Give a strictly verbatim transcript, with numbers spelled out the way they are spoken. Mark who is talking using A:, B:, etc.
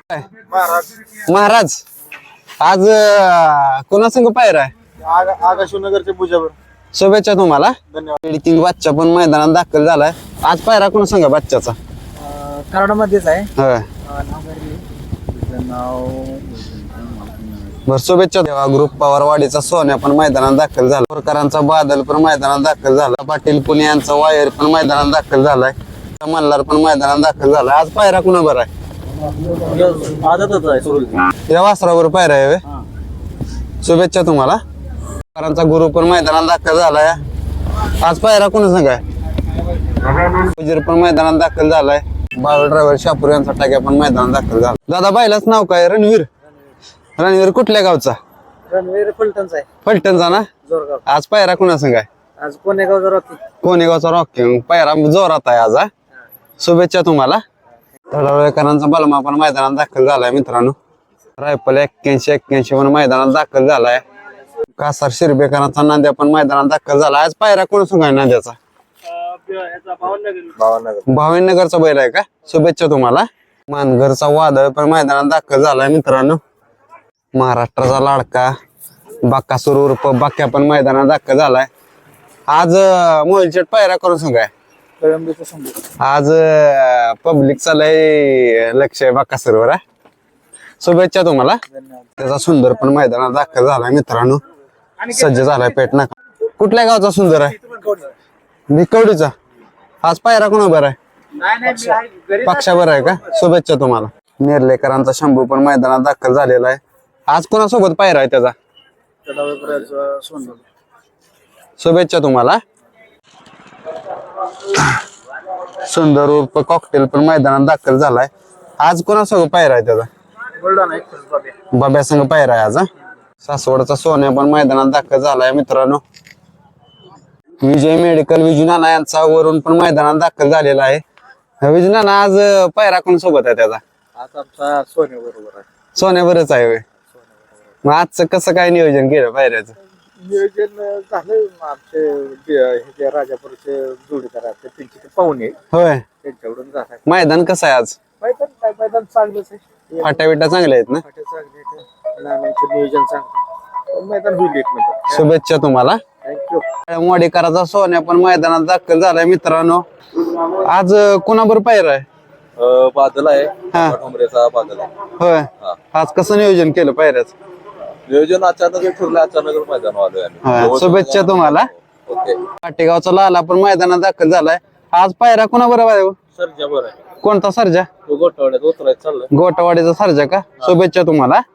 A: महाराज आज कोणा संग पायरा आहे?
B: आकाशनगरच्या पूजावर.
A: शुभेच्छा तुम्हाला.
B: धन्यवाद.
A: किंग बादशा पण मैदानात दाखल झालाय. आज पायरा कोणा संग बादशाचा?
B: कराडामध्येच आहे.
A: होय बर शुभेच्छा. देवा ग्रुप पवारवाडीचा सोन्या पण मैदानात दाखल झाला. प्रकारांचा बादल पण मैदानात दाखल झाला. पाटील पुणे यांचा वायर पण मैदानात दाखल झालाय. मल्हार पण मैदानात दाखल झालाय. आज पायरा कुणा बरं आहे? या वासरावर पायरा आहे व्हय? शुभेच्छा तुम्हाला. प्रकारांचा गुरु पण मैदानात दाखल झालाय. आज पायरा कुणा संग आहे? उजीर पण मैदानात दाखल झालाय. बाळ ड्रायव्हर शापूर यांचा टाक्या पण मैदानात दाखल झाला. दादा बायलाच नाव काय? रणवीर. रणवीर कुठल्या गावचा?
B: रणवीर फलटणचा आहे.
A: फलटणचा ना?
B: जोरगाव.
A: आज पायरा कुणा संग आहे?
B: आज कोणेगावचा रॉकी.
A: कोणेगावचा रॉकी. पायरा जोरात आहे आज. शुभेच्छा तुम्हाला. तळावळेकरांचा बलमा पण मैदानात दाखल झालाय मित्रांनो. रायफल एक्क्याऐंशी एक्क्याऐंशी पण मैदानात दाखल झालाय. कासार शिरबेकरांचा नांद्या पण मैदानात दाखल झाला. आज पायरा कोण संग आहे नांद्याचा? भावनगरचा बैल आहे का? शुभेच्छा तुम्हाला. मानगरचा वादळ पण मैदानात दाखल झालाय मित्रांनो. महाराष्ट्राचा लाडका बाक्कासूर उर्फ बाक्या पण मैदानात दाखल झालाय. आज मोहिलचेट पायरा करून सांग आहे. आज पब्लिकचा लय लक्ष आहे बाक्कासूरवर. शुभेच्छा तुम्हाला. त्याचा सुंदर पण मैदानात दाखल झालाय मित्रांनो. सज्ज झालाय पेट नाका. कुठल्या गावचा सुंदर आहे? भिकवडीचा. आज पायरा कोणा बरं आहे? पक्षा बरं आहे का? शुभेच्छा तुम्हाला. नेर्लेकरांचा शंभू पण मैदानात दाखल झालेला आहे. आज कोणासोबत पायरा आहे त्याचा? शुभेच्छा तुम्हाला. सुंदर उर्फ कॉकटेल पण मैदानात दाखल झालाय. आज कोणासोबत पायरा आहे त्याचा? बाब्या संग पायरा आहे आज. सासवडचा सोन्या पण मैदानात दाखल झालाय मित्रांनो. विजय मेडिकल विजू नाना यांचा वरून पण मैदानात दाखल झालेला आहे. विजू नाना आज पायरा कोण सोबत आहे त्याचा?
B: आज आमचा सोन्या बरोबर आहे.
A: सोन्यावरच आहे व्हय. मग आजचं कसं काय नियोजन केलं पायऱ्याचं?
B: नियोजन झालं. आमचे राजापूरचे जोडीदार आहेत त्यांचे पाहुणे
A: होय.
B: त्यांच्याकडून झालं.
A: मैदान कसं आहे आज?
B: मैदान काय मैदान चांगलंच आहे.
A: फाट्या बिट्या चांगल्या आहेत ना?
B: फाट्या चांगले आहेत. नाण्याचं नियोजन चांगलं. मैदान होईल एक मिनिट.
A: शुभेच्छा तुम्हाला.
B: थँक्यू.
A: मोडीकराचा सोन्या पण मैदानात दाखल झालाय मित्रांनो. आज कोणाबर पायरा आहे?
C: बादल आहे.
A: हा.
C: डोंगरेचा बादल आहे.
A: होय. आज कसं नियोजन केलं पायऱ्याचं?
C: नियोजन अचानक ठरलं. अचानक मैदान आलोय आम्ही.
A: शुभेच्छा तुम्हाला.
C: ओके.
A: पाटेगावचा लाला पण मैदानात दाखल झालाय. आज पायरा कोणा बरोबर?
C: सरजा बरं आहे.
A: कोणता सर्जा?
C: गोठवड्यात उतरायचं चाललंय.
A: गोटवाडीचा सर्जा का? शुभेच्छा तुम्हाला.